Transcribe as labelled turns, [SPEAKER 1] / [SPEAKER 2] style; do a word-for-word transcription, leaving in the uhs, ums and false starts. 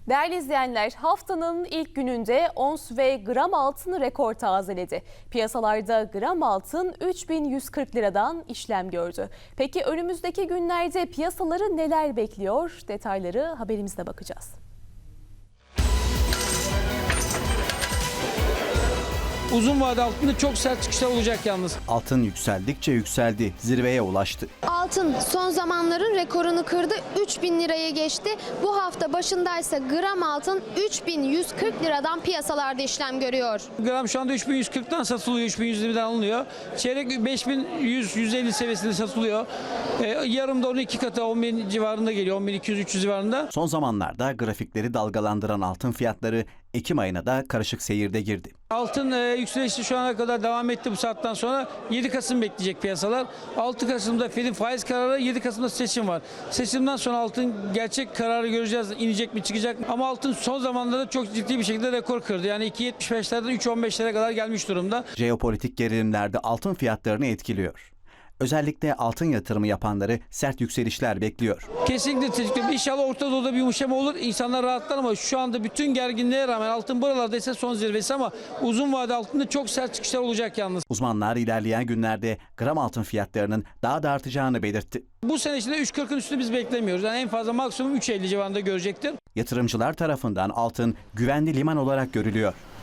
[SPEAKER 1] Değerli izleyenler, haftanın ilk gününde ons ve gram altın rekor tazeledi. Piyasalarda gram altın üç bin yüz kırk liradan işlem gördü. Peki önümüzdeki günlerde piyasaları neler bekliyor? Detayları haberimizde bakacağız.
[SPEAKER 2] Uzun vade altında çok sert çıkışlar olacak yalnız.
[SPEAKER 3] Altın yükseldikçe yükseldi, zirveye ulaştı.
[SPEAKER 4] Altın son zamanların rekorunu kırdı, üç bin liraya geçti. Bu hafta başındaysa gram altın üç bin yüz kırk liradan piyasalarda işlem görüyor.
[SPEAKER 2] Gram şu anda üç bin yüz kırktan satılıyor, üç bin yüz yirmiden alınıyor. Çeyrek beş bin yüz yüz elli seviyesinde satılıyor. Ee, yarım da onun iki katı on bin civarında geliyor, on bin iki yüz üç yüz civarında.
[SPEAKER 3] Son zamanlarda grafikleri dalgalandıran altın fiyatları Ekim ayına da karışık seyirde girdi.
[SPEAKER 2] Altın e, yükselişi şu ana kadar devam etti bu saatten sonra. yedi Kasım bekleyecek piyasalar. altı Kasım'da Fed'in faiz kararı, yedi Kasım'da seçim var. Seçimden sonra altın gerçek kararı göreceğiz. İnecek mi çıkacak mı? Ama altın son zamanlarda çok ciddi bir şekilde rekor kırdı. Yani iki yetmiş beşlerden üç on beşlere kadar gelmiş durumda.
[SPEAKER 3] Jeopolitik gerilimler de altın fiyatlarını etkiliyor. Özellikle altın yatırımı yapanları sert yükselişler bekliyor.
[SPEAKER 2] Kesinlikle teşekkür. İnşallah Orta Doğu'da bir yumuşama olur. İnsanlar rahatlar ama şu anda bütün gerginliğe rağmen altın buralarda ise son zirvesi ama uzun vade altında çok sert çıkışlar olacak yalnız.
[SPEAKER 3] Uzmanlar ilerleyen günlerde gram altın fiyatlarının daha da artacağını belirtti.
[SPEAKER 2] Bu sene içinde üç kırkın üstünü biz beklemiyoruz. Yani en fazla maksimum üç elli civarında görecektir.
[SPEAKER 3] Yatırımcılar tarafından altın güvenli liman olarak görülüyor.